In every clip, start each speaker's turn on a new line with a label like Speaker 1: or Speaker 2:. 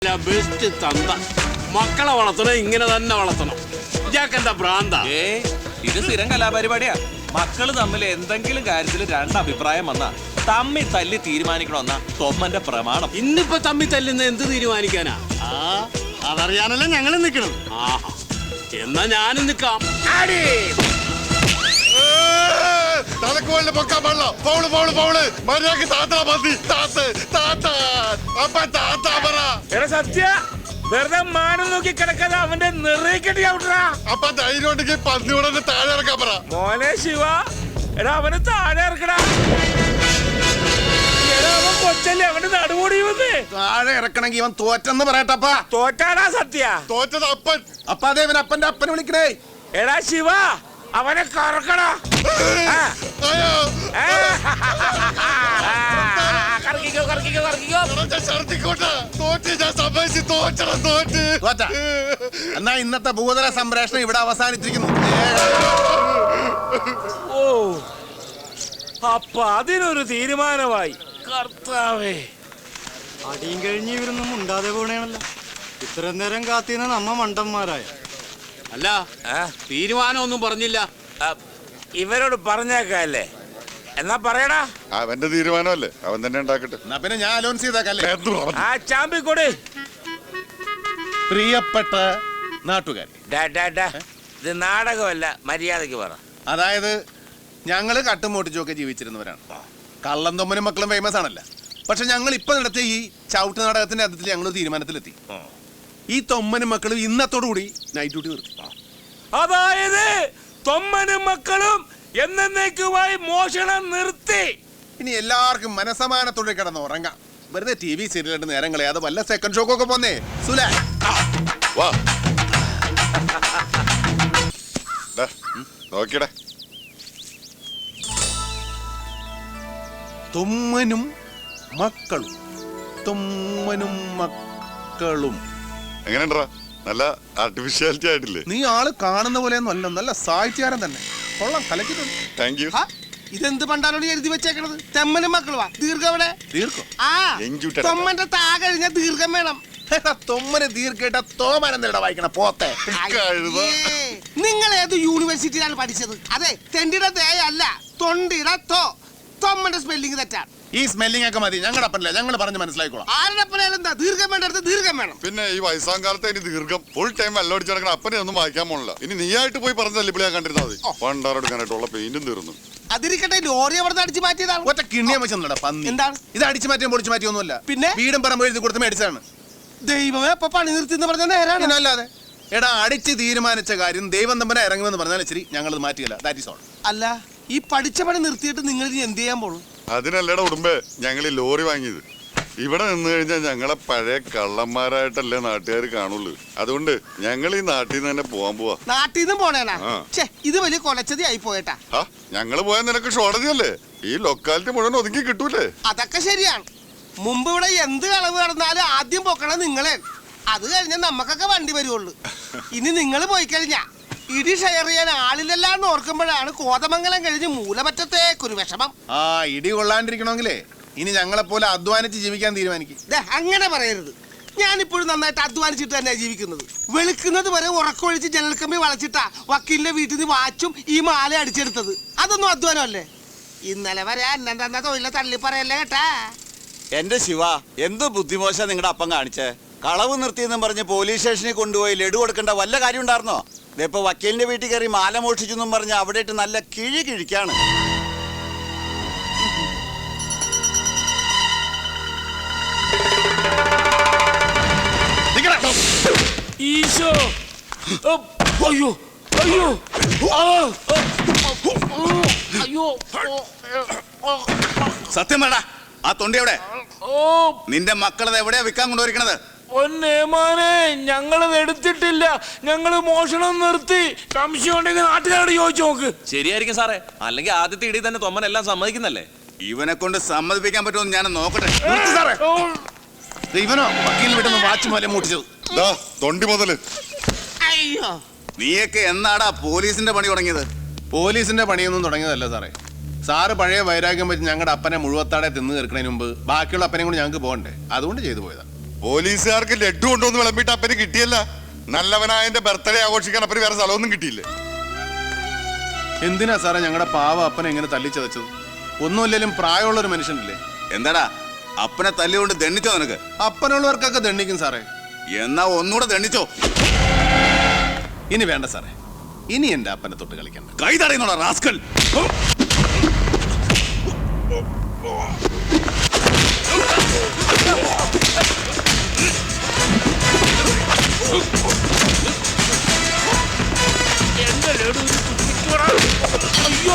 Speaker 1: Best തന്ത മക്കളെ വളർത്തണം, ഇങ്ങനെ തന്നെ വളർത്തണം. ഇയാക്കെന്താ ഭ്രാന്ത?
Speaker 2: ഇത് സ്ഥിരം കലാപരിപാടിയാ. മക്കള് തമ്മിൽ എന്തെങ്കിലും കാര്യത്തിൽ രണ്ടഭിപ്രായം വന്നാ തമ്മി തല്ലി തീരുമാനിക്കണമെന്നാ തൊമ്മന്റെ പ്രമാണം.
Speaker 1: ഇന്നിപ്പോ തമ്മി തല്ലുന്ന എന്ത് തീരുമാനിക്കാനാ?
Speaker 3: അതറിയാനല്ല ഞങ്ങൾ നിൽക്കണം.
Speaker 1: ആഹാ, എന്നാ ഞാനും നിക്കാം.
Speaker 3: തലക്കോളിന് പൊക്കാൻ പാടില്ല. പൗള് പൗള് പൗള് മര്യാദക്ക് താത്താ മതി. താത്ത് താത്ത അപ്പ താത്ത പറ.
Speaker 4: എടാ സത്യ വെറുതെ മാനം നോക്കി കിടക്കാതെ അവന്റെ നിറയിക്കട്ടി ഔട്ടാ.
Speaker 3: അപ്പൊ ധൈര്യം ഉണ്ടെങ്കിൽ പന്നിയോടെ താഴെ ഇറക്കാൻ പറ.
Speaker 4: മോനെ ശിവ, എടാ അവന് താഴെ ഇറക്കടാ. എടാ അവൻ കൊച്ചല്ലേ, അവന്റെ നടുകൂടി വന്ന്
Speaker 5: താഴെ ഇറക്കണമെങ്കിൽ ഇവൻ തോറ്റെന്ന് പറയട്ടപ്പാ.
Speaker 4: തോറ്റാടാ സത്യ.
Speaker 3: തോറ്റത് അപ്പൻ.
Speaker 5: അപ്പൊ അതേ ഇവൻ അപ്പന്റെ അപ്പനെ വിളിക്കണേ.
Speaker 4: എടാ ശിവ, അവനെ കറക്കടാ.
Speaker 3: അയ്യോ
Speaker 4: കറക്കിക്കോ കറക്കിക്കോ കറക്കിക്കോ.
Speaker 3: ഛർദിക്കോട്ടെ. തോറ്റ് ഞാൻ സമ്മതിച്ച്. തോറ്റണം തോറ്റ്.
Speaker 5: തോറ്റ എന്നാ ഇന്നത്തെ ഭൂതല സംപ്രേഷണം ഇവിടെ അവസാനിച്ചിരിക്കുന്നു.
Speaker 4: ഓ, അപ്പൊ അതിനൊരു തീരുമാനമായി. കർത്താവേ,
Speaker 6: അടിയും കഴിഞ്ഞ് ഇവരൊന്നും ഉണ്ടാതെ പോണേണല്ലോ. ഇത്രയും നേരം കാത്തിരുന്ന നമ്മ മണ്ടന്മാരായ.
Speaker 1: അല്ല, തീരുമാനമൊന്നും പറഞ്ഞില്ല.
Speaker 4: ഇവരോട് പറഞ്ഞേക്കല്ലേ? എന്നാ പറയടാ.
Speaker 3: അവന്റെ തീരുമാനമല്ലേ, അവൻ തന്നെ ഉണ്ടാക്കട്ടെ.
Speaker 5: എന്നാ പിന്നെ ഞാൻ അലോൺസ് ചെയ്തേക്കല്ലേ.
Speaker 4: ആ ചാമ്പിക്കൊടി.
Speaker 5: പ്രിയപ്പെട്ട നാട്ടുകാർ,
Speaker 4: ഇത് നാടകമല്ല, മര്യാദക്ക് പറ.
Speaker 5: അതായത് ഞങ്ങള് കട്ടും മോട്ടിച്ചുമൊക്കെ ജീവിച്ചിരുന്നവരാണ്. കള്ളം തൊമ്മനും മക്കളും ഫേമസ് ആണല്ലോ. പക്ഷെ ഞങ്ങൾ ഇപ്പൊ നടത്തിയ ഈ ചവിട്ട് നാടകത്തിന്റെ അർത്ഥത്തിൽ ഞങ്ങൾ തീരുമാനത്തിലെത്തി. ഈ തൊമ്മനും മക്കളും ഇന്നത്തോടുകൂടി നൈറ്റ് ഡ്യൂട്ടി നിർത്തി.
Speaker 4: അതായത് തൊമ്മനും മക്കളും എന്നേക്കുമായി മോഷണം നിർത്തി.
Speaker 5: ഇനി എല്ലാവർക്കും മനസമാനത്തോടെ കിടന്ന് ഉറങ്ങാം. വെറുതെ TV സീരിയലിട്ട് നേരം കളയാതെ വല്ല സെക്കൻഡ് ഷോക്കൊക്കെ പോന്നേ. സുല
Speaker 3: വാ നോക്കിയടേ.
Speaker 5: തൊമ്മനും മക്കളും, തൊമ്മനും മക്കളും.
Speaker 3: എങ്ങനെയുണ്ടാ? നല്ല ആർട്ടിഫിഷ്യാലിറ്റി ആയിട്ടില്ലേ?
Speaker 5: നീ ആള് കാണുന്ന പോലെയൊന്നും അല്ല, നല്ല സാഹിത്യകാരൻ തന്നെ. കൊള്ളാം, കലക്കിട്ടുണ്ട്.
Speaker 3: Thank you.
Speaker 7: ഇതെന്ത് പണ്ടാലോട് എഴുതി വെച്ചേക്കണത്? തെമ്മനും മക്കളുവാ. ദീർഘം എവിടെ?
Speaker 5: ദീർഘം
Speaker 7: തൊമ്മന്റെ താ കഴിഞ്ഞ ദീർഘം വേണം.
Speaker 5: തൊമ്മന് ദീർഘട്ട തോമനെന്താ വായിക്കണ പോത്തെ.
Speaker 7: നിങ്ങൾ ഏത് യൂണിവേഴ്സിറ്റിയിലാണ് പഠിച്ചത്? അതെ, തെണ്ടിയുടെ തേ അല്ല, തൊണ്ടിയുടെ തോ. തൊമ്മന്റെ സ്പെല്ലിംഗ് തെറ്റാണ്.
Speaker 5: ഈ സ്മെല്ലിംഗ് ഒക്കെ മതി. ഞങ്ങളുടെ അപ്പനല്ല, ഞങ്ങൾ പറഞ്ഞ് മനസ്സിലായിക്കോളാം.
Speaker 7: ആരുടെ അപ്പനായാലും എന്താ, ദീർഘം വേണ്ടടുത്ത് ദീർഘം വേണം.
Speaker 3: പിന്നെ ഈ വയസ്സാം കാലത്ത് ഇനി ദീർഘം ഫുൾ ടൈം വെള്ളം അടിച്ചു നടക്കണ അപ്പനെ ഒന്നും വായിക്കാൻ പോണില്ല. ഇനി നീയായിട്ട് പോയി പറഞ്ഞല്ലേ ഇവിടെ കണ്ടിരുന്നാൽ മതി. പണ്ടാറെടുക്കാനായിട്ടുള്ള പെയിന്റും തീർന്നു.
Speaker 7: അതിരിക്കട്ടെ, ലോറി അവിടെ അടിച്ചു മാറ്റിയതാണ്.
Speaker 5: ഒറ്റ കിണ്ണിയ വെച്ചാ പന്നി.
Speaker 7: എന്താണ്
Speaker 5: ഇത്? അടിച്ചു മാറ്റിയും പൊളിച്ചു മാറ്റിയൊന്നുമല്ല.
Speaker 7: പിന്നെ
Speaker 5: വീടും പറമ്പ് എഴുതി കൊടുത്ത് മേടിച്ചാണ്.
Speaker 7: ദൈവമേ, അപ്പൊ പണി നിർത്തി എന്ന് പറഞ്ഞ നേരാണ്.
Speaker 5: അല്ലാതെ എടാ, അടിച്ച് തീരുമാനിച്ച കാര്യം ദൈവം തമ്പനെ ഇറങ്ങുമെന്ന് പറഞ്ഞാൽ ശരി, ഞങ്ങളത് മാറ്റിയല്ല. That is all.
Speaker 7: അല്ല, ഈ പഠിച്ച പണി നിർത്തിയിട്ട് നിങ്ങൾ ഇനി എന്ത് ചെയ്യാൻ പോണു?
Speaker 3: അതിനല്ലട ഉടുമ്പേ ഞങ്ങൾ ഈ ലോറി വാങ്ങിയത്. ഇവിടെ നിന്ന് കഴിഞ്ഞാൽ ഞങ്ങളെ പഴയ കള്ളന്മാരായിട്ടല്ലേ നാട്ടുകാർ കാണുള്ളൂ. അതുകൊണ്ട് ഞങ്ങൾ ഈ നാട്ടിൽ നിന്ന് തന്നെ പോവാൻ പോവാ.
Speaker 7: നാട്ടിൽ നിന്ന് പോണേനാ? ഇത് വലിയ കൊലച്ചതി ആയി പോയേട്ടാ.
Speaker 3: ഞങ്ങള് പോയാൽ നിനക്ക് ഷോർട്ടേജല്ലേ? ഈ ലൊക്കാലിറ്റി മുഴുവൻ ഒതുങ്ങി കിട്ടൂലേ?
Speaker 7: അതൊക്കെ ശരിയാണ്. മുമ്പ് ഇവിടെ എന്ത് കളവ് നടന്നാലും ആദ്യം പൊക്കണം നിങ്ങളെ. അത് കഴിഞ്ഞാൽ നമുക്കൊക്കെ വണ്ടി വരുവുള്ളൂ. ഇനി നിങ്ങൾ പോയി കഴിഞ്ഞാ ഇടി ഷെയർ ചെയ്യാൻ ആളില്ലെല്ലാന്ന് ഓർക്കുമ്പോഴാണ് കോതമംഗലം കഴിഞ്ഞ് മൂലമറ്റത്തേക്കൊരു വിഷമം.
Speaker 5: ഇടി കൊള്ളാണ്ടിരിക്കണമെങ്കിലേ ഇനി ഞങ്ങളെ പോലെ അധ്വാനിച്ച് ജീവിക്കാൻ തീരുമാനിക്കും.
Speaker 7: അങ്ങനെ പറയരുത്. ഞാനിപ്പോഴും നന്നായിട്ട് അധ്വാനിച്ചിട്ട് തന്നെയാ ജീവിക്കുന്നത്. വെളുക്കുന്നത് വരെ ഉറക്കൊഴിച്ച് ജനൽക്കമ്പി വളച്ചിട്ടാ വക്കീലിന്റെ വീട്ടിൽ നിന്ന് വാച്ചും ഈ മാല അടിച്ചെടുത്തത്. അതൊന്നും അധ്വാനമല്ലേ? ഇന്നലെ വരെ അന്നം തന്ന തൊഴിലെ തള്ളി പറയല്ലേ കേട്ടാ.
Speaker 8: എന്റെ ശിവ, എന്ത് ബുദ്ധിമോശ നിങ്ങളുടെ അപ്പം കാണിച്ചേ. കളവ് നിർത്തിയെന്നും പറഞ്ഞ് പോലീസ് സ്റ്റേഷനിൽ കൊണ്ടുപോയി ലഡു കൊടുക്കേണ്ട വല്ല കാര്യം ഉണ്ടായിരുന്നോ? ഇതിപ്പോ വക്കീലിന്റെ വീട്ടിൽ കയറി മാല മോഷിച്ചെന്നും പറഞ്ഞ് അവിടെ ഇട്ട് നല്ല കിഴി കിഴിക്കാണ്.
Speaker 4: ഈശോ, അയ്യോ അയ്യോ അയ്യോ.
Speaker 5: സത്യം വേണ്ട. ആ തൊണ്ടി എവിടെ? നിന്റെ മക്കളത് എവിടെയാ വിൽക്കാൻ കൊണ്ടുവരിക്കണത്?
Speaker 4: ഒന്നേമാനെ, ഞങ്ങളത് എടുത്തിട്ടില്ല. ഞങ്ങള് മോഷണം നിർത്തി. സംശയം ഉണ്ടെങ്കിൽ നാട്ടുകാരോട് ചോദിച്ചു നോക്ക്.
Speaker 2: ശരിയായിരിക്കും സാറേ. അല്ലെങ്കിൽ ആദ്യത്തെ ഇടി തന്നെ തൊമ്മൻ എല്ലാം സമ്മതിക്കുന്നല്ലേ?
Speaker 5: ഇവനെ കൊണ്ട് സമ്മതിപ്പിക്കാൻ പറ്റുമെന്ന് ഞാൻ നോക്കട്ടെ. ഇവനോ വക്കീലിന് വീട്ടിൽ നിന്ന് വാച്ച് മൂലം മൂട്ടിച്ചത്?
Speaker 3: തൊണ്ടി മുതല്.
Speaker 5: നീയൊക്കെ എന്നാടാ പോലീസിന്റെ പണി തുടങ്ങിയത്? പോലീസിന്റെ പണിയൊന്നും തുടങ്ങിയതല്ല സാറേ. സാറ് പഴയ വൈരാഗ്യം വെച്ച് ഞങ്ങളുടെ അപ്പനെ മുഴുവത്താടെ തിന്നു തീർക്കുന്നതിന് മുമ്പ് ബാക്കിയുള്ള അപ്പനെയും കൂടി ഞങ്ങൾക്ക് പോകണ്ടേ, അതുകൊണ്ട് ചെയ്തു പോയതാ.
Speaker 3: പോലീസുകാർക്ക് ലഡു കൊണ്ടുവന്ന് വിളമ്പിട്ട് അപ്പന് കിട്ടിയല്ല. നല്ലവനായ എന്റെ ബർത്ത്ഡേ ആഘോഷിക്കാൻ അപ്പന് വേറെ സ്ഥലമൊന്നും കിട്ടിയില്ലേ?
Speaker 5: എന്തിനാ സാറേ ഞങ്ങളുടെ പാവ അപ്പനെ എങ്ങനെ തല്ലിച്ചതച്ചത്? ഒന്നുമില്ലെങ്കിലും പ്രായമുള്ള ഒരു മനുഷ്യനില്ലേ?
Speaker 8: എന്താടാ അപ്പനെ തല്ലികൊണ്ട് ദണ്ണിച്ചോ നിനക്ക്?
Speaker 5: അപ്പനുള്ളവർക്കൊക്കെ ദണ്ണിക്കും സാറേ.
Speaker 8: എന്നാ ഒന്നുകൂടെ ദണ്ണിച്ചോ.
Speaker 5: ഇനി വേണ്ട സാറേ, ഇനി എന്റെ അപ്പനെ തൊട്ട് കളിക്കണ്ട.
Speaker 8: കൈ തടയുന്നോടാ റാസ്കൽ.
Speaker 4: അയ്യോ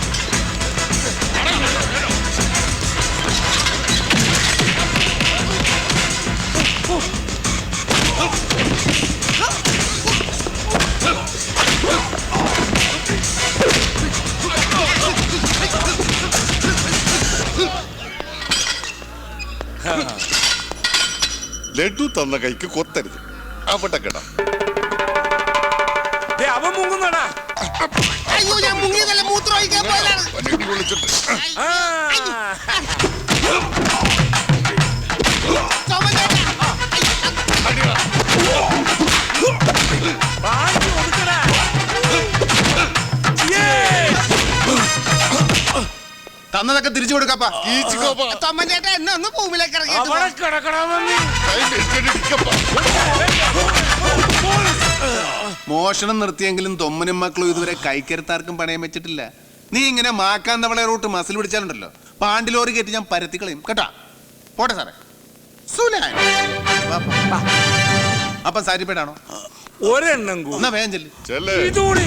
Speaker 3: ലഡു തന്ന കൈക്ക് കൊത്തരുത്. അവിടെ കേട്ടാ
Speaker 4: അവൻ മുങ്ങുന്നടാ.
Speaker 7: അയ്യോ ഞാൻ മുങ്ങിയതല്ല, മൂത്രം ഒഴിക്കാൻ പോയതാണ്.
Speaker 3: വിളിച്ചിട്ട്
Speaker 5: തന്നതൊക്കെ തിരിച്ചു കൊടുക്കാപ്പാ.
Speaker 7: തൊമ്മൻചേട്ടാ എന്നെ ഒന്ന് ഭൂമിയിലേക്ക് ഇറങ്ങിയിട്ട്
Speaker 4: അവിടെ കിടക്കണമെന്ന്
Speaker 5: മോഷണം നിർത്തിയെങ്കിലും തൊമ്മനും മക്കളും ഇതുവരെ കൈക്കരുത്താർക്കും പണയം വെച്ചിട്ടില്ല. നീ ഇങ്ങനെ മാക്കാൻ തവളെ റൂട്ട് മസിൽ പിടിച്ചാലുണ്ടല്ലോ, പാണ്ടിലോറി കയറ്റി ഞാൻ പരത്തി കളയും കേട്ടാ. പോട്ടെ സാറേ. അപ്പൊ സാരിപ്പേടാണോ?
Speaker 4: ഒരെണ്ണം
Speaker 5: എന്നാ വേഗം ചെല്ല്.
Speaker 3: ചെല്ലേ
Speaker 4: ഇതുകൂടി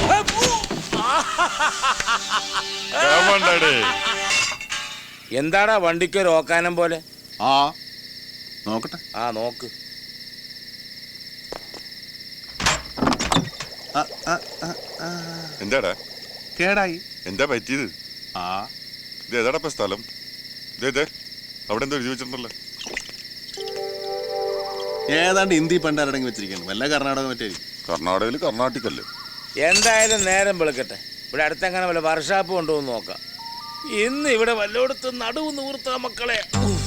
Speaker 4: എന്താടാ വണ്ടിക്ക് ഒരു ഓക്കാനം പോലെ?
Speaker 5: ആ നോക്കട്ടെ.
Speaker 4: ആ നോക്ക്.
Speaker 3: എന്താടാ
Speaker 5: കേടായി.
Speaker 3: എന്താ പറ്റിയത്?
Speaker 5: ആ
Speaker 3: ഇത് ഏതാടാ സ്ഥലം? ഇതേ അവിടെ എന്തോ എഴുതി വെച്ചിട്ടുണ്ടല്ലോ.
Speaker 5: ഏതാണ്ട് ഹിന്ദി പണ്ടാരടങ്ങി വെച്ചിരിക്കുന്നു. വല്ല കർണാടക മറ്റായിരിക്കും.
Speaker 3: കർണാടകയിൽ കർണാട്ടിക്കല്ലേ.
Speaker 4: എന്തായാലും നേരം വെളുക്കട്ടെ. ഇവിടെ അടുത്തെങ്ങനെ വല്ല വർഷാപ്പ് കൊണ്ടുവന്ന് നോക്കാം. ഇന്ന് ഇവിടെ വല്ലോടത്ത് നടുവ് നൂർത്ത മക്കളെ.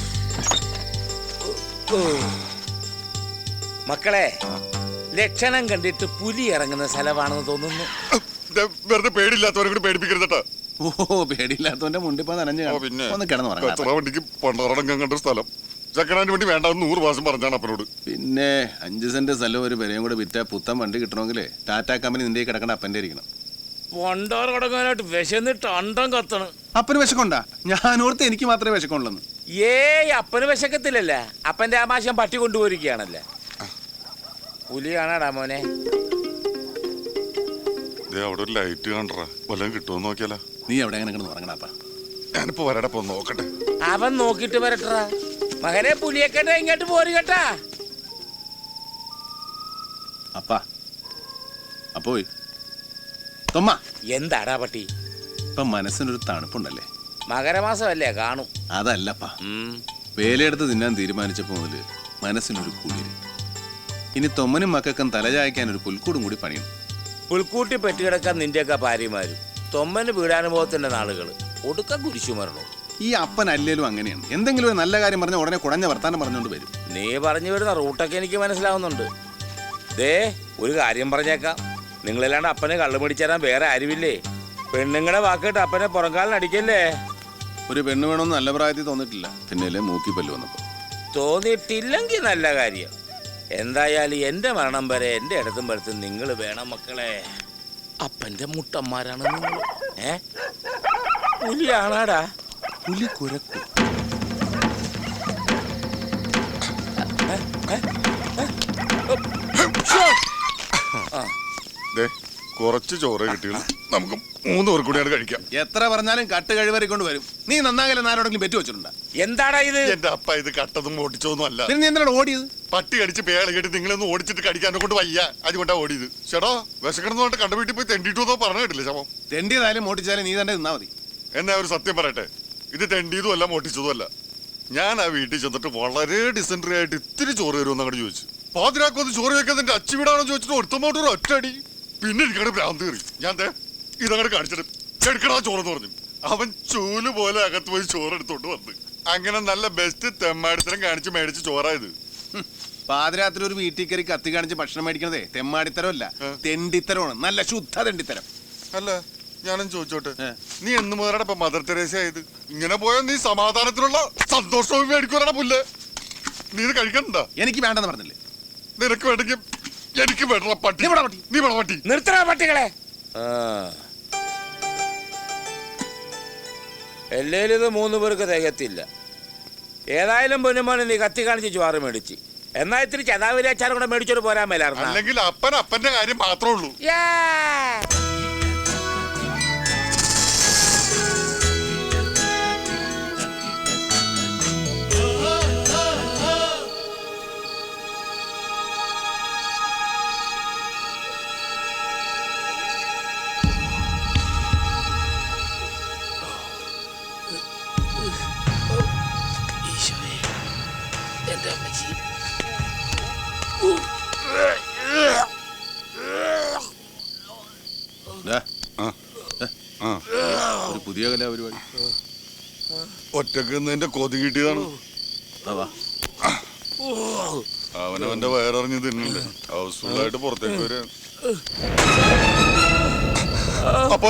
Speaker 4: മക്കളെ, ലക്ഷണം കണ്ടിട്ട് പുലി ഇറങ്ങുന്ന സ്ഥലമാണെന്ന് തോന്നുന്നു.
Speaker 3: വെറുതെ പേടിയില്ലാത്തവരെ കൂടി പേടിപ്പിക്കരുതട്ടാ.
Speaker 5: ഓ പേടിയില്ലാത്തവന്റെ മുണ്ടിപ്പോ നനഞ്ഞു
Speaker 3: പിന്നെ
Speaker 5: ഒന്ന് കിടന്നു
Speaker 3: കച്ചറ വണ്ടിക്ക് പണ്ടാറടങ്കം കണ്ട സ്ഥലം. സെക്കൻഡ് വേണ്ടി വേണ്ട 100 പ്രാവശ്യം പറഞ്ഞാണ് അപ്പനോട്.
Speaker 5: പിന്നെ 5 സെന്റ് സ്ഥലം ഒരു വിലയും കൂടെ വിറ്റാ പുത്തൻ വണ്ടി കിട്ടണമെങ്കിലേ ടാറ്റ കമ്പനി നിന്റെ കിടക്കണ അപ്പന്റെ ഇരിക്കണം.
Speaker 4: പണ്ടാറ് കിടക്കാനായിട്ട് വിശന്നിട്ട് അണ്ടം കത്തണ്.
Speaker 5: അപ്പന് വിശക്കുണ്ടാ? ഞാനോർത്ത് എനിക്ക് മാത്രമേ വിശക്കുള്ളൂ.
Speaker 4: ഏയ് അപ്പന് വിശക്കത്തില്ലല്ല. അപ്പന്റെ ആമാശം പട്ടി കൊണ്ടുപോയിരിക്കുകയാണല്ലേ. പുലി കാണാടാ മോനെ.
Speaker 3: അവിടെ ഒരു ലൈറ്റ് കണ്ടറാ, വല്ലതും കിട്ടുമോ നോക്കിയാലോ.
Speaker 5: നീ എവിടെ എങ്ങനെ കിടന്ന് ഉറങ്ങണപ്പ?
Speaker 3: ഞാനിപ്പോ വരടപ്പോ നോക്കട്ടെ.
Speaker 4: അവൻ നോക്കിട്ട് വരട്ടാ. മകനെ പുലിയെക്കട്ടെ ഇങ്ങോട്ട് പോരി കേട്ടാ.
Speaker 5: അപ്പാ അപ്പോയി തൊമ്മ.
Speaker 4: എന്താടാ പട്ടി?
Speaker 5: ഇപ്പൊ മനസ്സിനൊരു തണുപ്പുണ്ടല്ലേ?
Speaker 4: മകരമാസമല്ലേ കാണും.
Speaker 5: അതല്ലപ്പാ, വേലയെടുത്ത് തിന്നാൻ തീരുമാനിച്ചപ്പോ മുതല് മനസ്സിനൊരു കുളിര്. ഇനി തൊമ്മനും മക്കൾക്കും തലചായ്ക്കാൻ ഒരു പുൽക്കൂടും കൂടി പണിയണം.
Speaker 4: പുൽക്കൂട്ടി പെറ്റുകിടക്കാൻ നിന്റെയൊക്കെ ഭാര്യമാരും തൊമ്മന് വീടാനുഭവത്തിന്റെ നാളുകള് ഒടുക്ക കുരിശു മരണോ.
Speaker 5: ഈ അപ്പൻ അല്ലേലും അങ്ങനെയാണ്. എന്തെങ്കിലും ഒരു നല്ല കാര്യം പറഞ്ഞ ഉടനെ കുടഞ്ഞ വർത്താനം പറഞ്ഞുകൊണ്ട് വരും.
Speaker 4: നീ പറഞ്ഞു വരുന്ന റൂട്ടൊക്കെ എനിക്ക് മനസ്സിലാവുന്നുണ്ട്. ദേ ഒരു കാര്യം പറഞ്ഞേക്കാം, നിങ്ങളില്ലാണ്ട് അപ്പനെ കള്ളു പിടിച്ചേരാൻ വേറെ ആരുമില്ലേ. പെണ്ണുങ്ങളുടെ വാക്കിട്ട് അപ്പനെ പുറംകാലിനടിക്കല്ലേ.
Speaker 5: ഒരു പെണ്ണ് വേണമെന്ന് നല്ല പ്രായത്തിൽ തോന്നിട്ടില്ല, പിന്നെയല്ലേ മൂക്കി പല്ല് വന്നപ്പോ.
Speaker 4: തോന്നിയിട്ടില്ലെങ്കിൽ നല്ല കാര്യം. എന്തായാലും എന്റെ മരണം വരെ എന്റെ ഇടത്തും വലത്തും നിങ്ങൾ വേണം മക്കളെ. അപ്പന്റെ മുട്ടന്മാരാണ് നിങ്ങൾ. പുലിയാണാടാ.
Speaker 5: പുലി കുരക്കും.
Speaker 3: കുറച്ച് ചോറ് കിട്ടിയുള്ളൂ, നമുക്ക് 3 പേർ കൂടിയാണ് കഴിക്കാം.
Speaker 5: എത്ര പറഞ്ഞാലും കട്ട് കഴിവറിക്കൊണ്ട് വരും. നീ നന്നാകലെ നാരോടെങ്കിലും പെറ്റു വെച്ചിട്ടുണ്ടാ?
Speaker 4: എന്താടാ ഇത്?
Speaker 3: എന്റെ അപ്പ ഇത് കട്ടതും ഓടിച്ചൊന്നും അല്ല.
Speaker 5: പിന്നെ നീ എന്താണ് ഓടിയത്?
Speaker 3: പട്ടി കടിച്ച് പേള കേട്ട് നിങ്ങളൊന്ന് ഓടിച്ചിട്ട് കടിക്കാനെ കൊണ്ട് വയ്യ, അതുകൊണ്ടാ ഓടിയത്. ചേട്ടോ വിശക്കണമെന്ന് പറഞ്ഞിട്ട് കണ്ട വീട്ടിൽ പോയി തെണ്ടിട്ടു പറഞ്ഞു കേട്ടില്ല ശവം.
Speaker 5: തെണ്ടിയതായാലും മോട്ടിച്ചാലും നീ തന്നെ നിന്നാ മതി.
Speaker 3: എന്നാ ഒരു സത്യം പറയട്ടെ, ഇത് തെണ്ടിയതും അല്ല മോട്ടിച്ചതും അല്ല. ഞാൻ ആ വീട്ടിൽ ചെന്നിട്ട് വളരെ ഡിസെൻട്രി ആയിട്ട് ഇത്തിരി ചോറ് തരുമെന്ന് അങ്ങോട്ട് ചോദിച്ചു. പാതിരാക്കൊന്ന് ചോറ് വെക്കാൻ എന്റെ അച്ഛൻ വീടാണോ ചോദിച്ചിട്ട് ഒരുത്തമോട്ട് ഒരു ഒറ്റടി. പിന്നെ എനിക്കവിടെ ഭ്രാന്ത് കയറി. ഞാൻ ഇതങ്ങോട്ട് കാണിച്ചിട്ട് എടുക്കടാ ചോറെന്ന് പറഞ്ഞു. അവൻ ചൂല് പോലെ അകത്ത് പോയി ചോറ് എടുത്തോണ്ട് വന്ന്. അങ്ങനെ നല്ല ബെസ്റ്റ് തെമ്മാടിത്തരം കാണിച്ച് മേടിച്ച് ചോറായത്.
Speaker 5: പാതിരാത്രി ഒരു വീട്ടിൽ കയറി കത്തി കാണിച്ച് ഭക്ഷണം മേടിക്കണതേ തെമ്മാടിത്തരമല്ല, തെണ്ടിത്തരമാണ്. നല്ല ശുദ്ധ തെണ്ടിത്തരം.
Speaker 3: അല്ല ഞാനും ചോദിച്ചോട്ടെ, നീ എന്ന് മുതലാണ് ഇപ്പൊ മദർ തെരേസ ആയത്? ഇങ്ങനെ പോയാൽ നീ സമാധാനത്തിലുള്ള സന്തോഷവും മേടിക്കൂലാണ് പുല്ല്. നീ ഇത് കഴിക്കണ്ട.
Speaker 5: എനിക്ക് വേണ്ടെന്ന് പറഞ്ഞില്ലേ?
Speaker 3: നിനക്ക് വേണമെങ്കിൽ എനിക്ക് വേണ്ട പട്ടി. നീ വേണം പട്ടി.
Speaker 4: നിർത്തണ പട്ടികളെ. എല്ലേലും ഇത് 3 പേർക്ക് തികത്തില്ല. ഏതായാലും പൊന്നുമോനെ നീ കത്തി കാണിച്ച് ചോറ് മേടിച്ച്, എന്നാ ഇത്തിരി ചതാവിരി അച്ചാറും കൂടെ മേടിച്ചോട് പോരാൻ മേലായിരുന്നു.
Speaker 3: അല്ലെങ്കിൽ അപ്പന്റെ കാര്യം മാത്രമേ ഉള്ളൂ.
Speaker 5: ഒരു പുതിയ കലാപരിപാടി
Speaker 3: ഒറ്റക്ക് നിന്റെ കൊതി കിട്ടിയതാണ്. അവനവന്റെ വയറിഞ്ഞ് തിന്നണ്ടേ, ഹൗസ്ഫുള്ളായിട്ട് പുറത്തേക്ക് വരാൻ. അപ്പൊ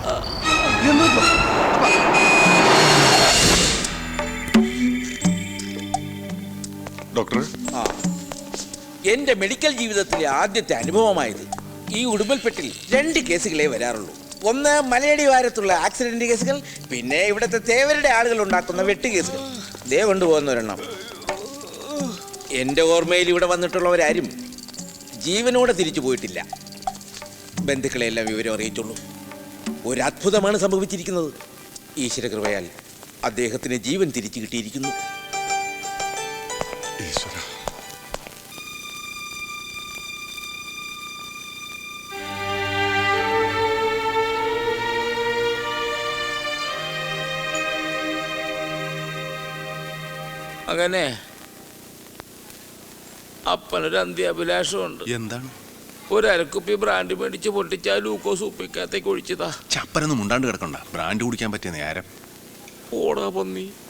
Speaker 3: ഡോക്ടർ,
Speaker 4: എന്റെ മെഡിക്കൽ ജീവിതത്തിലെ ആദ്യത്തെ അനുഭവമായത്. ഈ ഉടുമ്പൽപ്പെട്ടിൽ 2 കേസുകളെ വരാറുള്ളൂ. ഒന്ന് മലയടി വാരത്തുള്ള ആക്സിഡന്റ് കേസുകൾ, പിന്നെ ഇവിടുത്തെ തേവരുടെ ആളുകൾ ഉണ്ടാക്കുന്ന വെട്ട് കേസുകൾ. ദേ കൊണ്ടുപോകുന്ന ഒരെണ്ണം. എന്റെ ഓർമ്മയിൽ ഇവിടെ വന്നിട്ടുള്ളവരാരും ജീവനോടെ തിരിച്ചു പോയിട്ടില്ല. ബന്ധുക്കളെല്ലാം വിവരം അറിയിച്ചുള്ളൂ. ഒരു അത്ഭുതമാണ് സംഭവിച്ചിരിക്കുന്നത്. ഈശ്വര കൃപയാൽ അദ്ദേഹത്തിന് ജീവൻ തിരിച്ചു കിട്ടിയിരിക്കുന്നു.
Speaker 3: ഈശ്വര,
Speaker 4: അങ്ങനെ അപ്പനൊരു അന്ത്യാഭിലാഷമുണ്ട്.
Speaker 5: എന്താണ്?
Speaker 4: ഒരു അരക്കുപ്പി ബ്രാൻഡ് മേടിച്ച് പൊട്ടിച്ചാൽ ലൂക്കോസ് ഉപ്പിക്കകത്തേക്ക് ഒഴിച്ചതാ.
Speaker 5: ചപ്പനൊന്നും മുണ്ടാണ്ട് കിടക്കണ്ട. ബ്രാൻഡ് കുടിക്കാൻ പറ്റിയ നേരം.
Speaker 4: ഓടാ പന്നി.